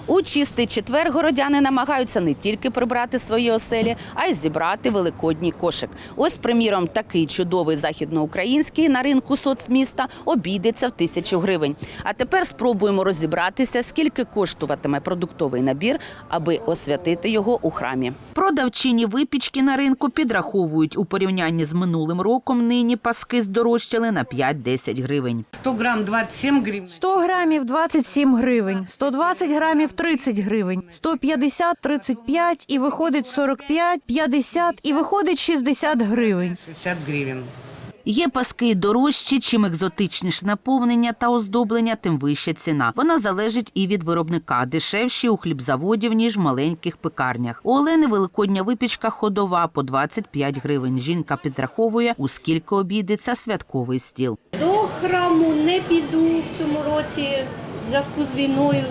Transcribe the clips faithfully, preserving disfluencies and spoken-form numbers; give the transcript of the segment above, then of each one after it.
У чистий четвер городяни намагаються не тільки прибрати свої оселі, а й зібрати великодній кошик. Ось, приміром, такий чудовий західноукраїнський на ринку соцміста обійдеться в тисячу гривень. А тепер спробуємо розібратися, скільки коштуватиме продуктовий набір, аби освятити його у храмі. Продавчині випічки на ринку підраховують, у порівнянні з минулим роком нині паски здорожчали на п'ять-десять гривень. сто грам двадцять сім гривень. сто грамів двадцять сім гривень, сто двадцять грамів тридцять гривень, сто п'ятдесят – тридцять п'ять і виходить сорок п'ять, п'ятдесят і виходить шістдесят гривень. шістдесят гривень. Є паски дорожчі, чим екзотичніше наповнення та оздоблення, тим вища ціна. Вона залежить і від виробника. Дешевші у хлібзаводів, ніж в маленьких пекарнях. У Олени великодня випічка ходова по двадцять п'ять гривень. Жінка підраховує, у скільки обійдеться святковий стіл. До храму не піду в цьому році в зв'язку з війною.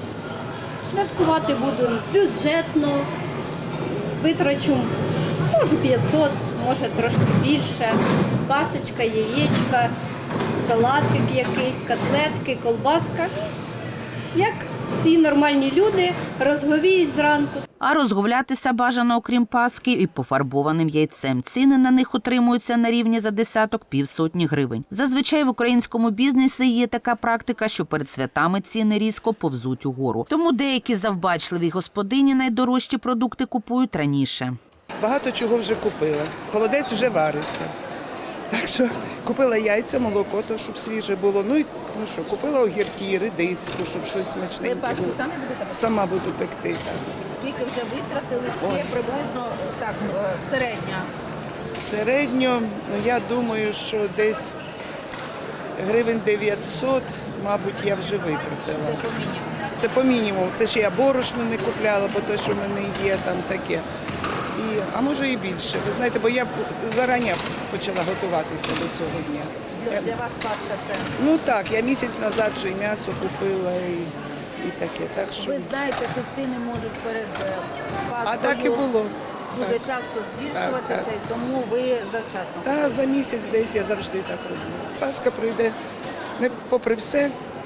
Святкувати буду бюджетно, витрачу, може п'ятсот, може трошки більше. Пасочка, яєчка, салатик якийсь, котлетки, колбаска. Як всі нормальні люди, розговіють зранку. А розгулятися бажано, окрім паски, і пофарбованим яйцем. Ціни на них утримуються на рівні за десяток півсотні гривень. Зазвичай в українському бізнесі є така практика, що перед святами ціни різко повзуть угору. Тому деякі завбачливі господині найдорожчі продукти купують раніше. Багато чого вже купила. Холодець вже вариться. Так що купила яйця, молоко, то, щоб свіже було. Ну і ну що, купила огірки, редиску, щоб щось смачненьке було. Ви паску самі будете? Сама буду пекти, так. Скільки вже витратили? Ще приблизно так середня. Середньо, ну я думаю, що десь гривень дев'ятсот, мабуть, я вже витратила. Це по мінімуму. Це по мінімуму. Це ще я борошно не купляла, бо те, що в мене є, там таке. І, а може і більше. Ви знаєте, бо я зарані почала готуватися до цього дня. Для, для вас паска це? Ну так, я місяць назад вже і м'ясо купила, і, і таке. Так що... Ви знаєте, що ціни можуть перед паскою А так і було. дуже так. часто збільшуватися, Так, так. і тому ви завчасно. Та за місяць десь я завжди так роблю. Паска пройде, не попри все,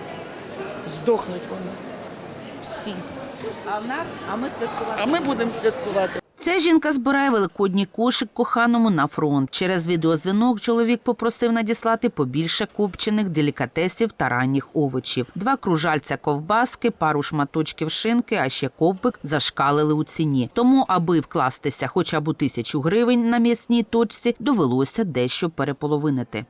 здохнуть вони. Всі. А в нас, а ми святкувати. А ми будемо святкувати. Ця жінка збирає великодній кошик коханому на фронт. Через відеозвінок чоловік попросив надіслати побільше копчених делікатесів та ранніх овочів. Два кружальця ковбаски, пару шматочків шинки, а ще ковбик зашкалили у ціні. Тому, аби вкластися хоча б у тисячу гривень на м'ясній точці, довелося дещо переполовинити.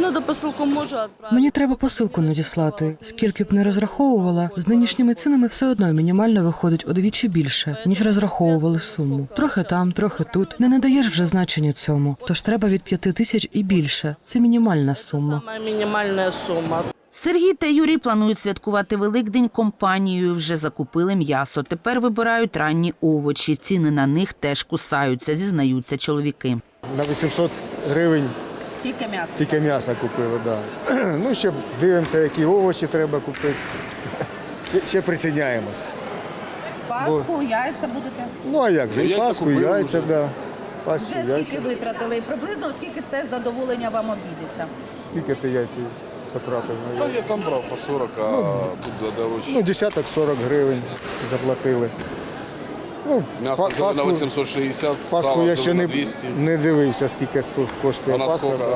Мені треба посилку надіслати. Скільки б не розраховувала, з нинішніми цінами все одно мінімально виходить удвічі більше, ніж розраховували суму. Трохи там, трохи тут. Не надаєш вже значення цьому. Тож треба від п'яти тисяч і більше. Це мінімальна сума. Мінімальна сума. Сергій та Юрій планують святкувати Великдень компанією. Вже закупили м'ясо. Тепер вибирають ранні овочі. Ціни на них теж кусаються, зізнаються чоловіки. На вісімсот гривень Тільки м'ясо? тільки м'ясо купили, так. Да. Ну, ще дивимося, які овочі треба купити. Ще, ще приціняємось. Пасху, Бо... яйця будете? Ну, а як же, і паску, і яйця, так. Да. Паску, Вже яйця. скільки витратили? І приблизно скільки це задоволення вам обійдеться? Скільки ти яйця потрапив? Та я там брав по сорок, а ну, тут дорожче. Ну, десяток сорок гривень заплатили. Ну, м'ясо взяли паску, на вісімсот шістдесят, паску сало я ще на не, двісті. не дивився, скільки тут коштує А на паска. скільки? Да.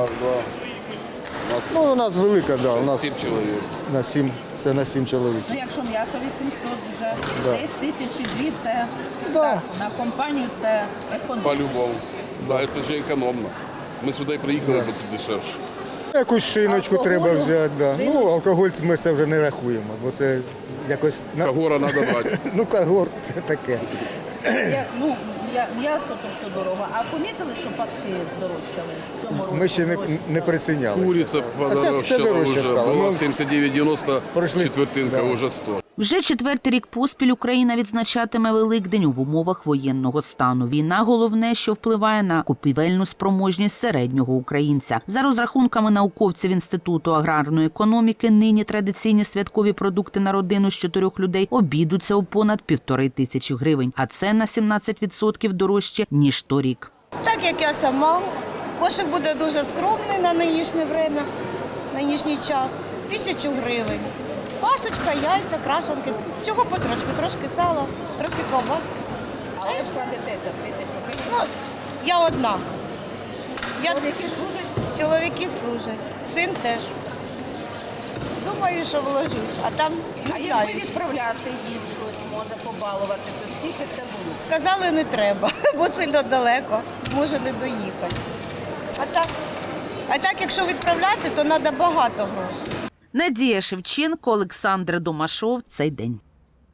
У нас Ну, у нас велика, да. У нас сім чоловік. На сім, це на сім чоловік. Ну, якщо м'ясо вісімсот вже, Да. десь тисячі дві, це Да. так, на компанію це економно. По-любому. Да, це ж економно. Ми сюди приїхали, Да. бо тут дешевше. Якусь шиночку Алкоголю, треба взяти. Да. Ну, шиночку. алкоголь ми це вже не рахуємо, бо це якось... Кагора треба брати. Ну, кагор, це таке. Я, ну, я, м'ясо тобто дорого. А помітили, що паски здорожчали в цьому році? Ми ще не, Дорожчі не стали? прицінялися. Куриця А це все подорожчала дорожче вже. стало. Була Ну, сімдесят дев'ять дев'яносто, пройшли. четвертинка Да. вже сто. Вже четвертий рік поспіль Україна відзначатиме Великдень в умовах воєнного стану. Війна – головне, що впливає на купівельну спроможність середнього українця. За розрахунками науковців Інституту аграрної економіки, нині традиційні святкові продукти на родину з чотирьох людей обійдуться у понад півтори тисячі гривень. А це на сімнадцять відсотків дорожче, ніж торік. Так як я сама, кошик буде дуже скромний на нинішнє время, нинішній час. Тисячу гривень. Пасочка, яйця, крашенки. Всього потрошки, трошки сала, трошки ковбаски. Але вкладетеся в тисячу гривень. Ну, я одна. Я... Чоловіки служать? Чоловіки служать, син теж. Думаю, що вложусь, а там А не якби знаю. відправляти їм щось, може побалувати, то скільки це було? Сказали, не треба, бо сильно далеко, може не доїхати. А так, а так, якщо відправляти, то треба багато грошей. Надія Шевченко, Олександр Домашов. Цей день.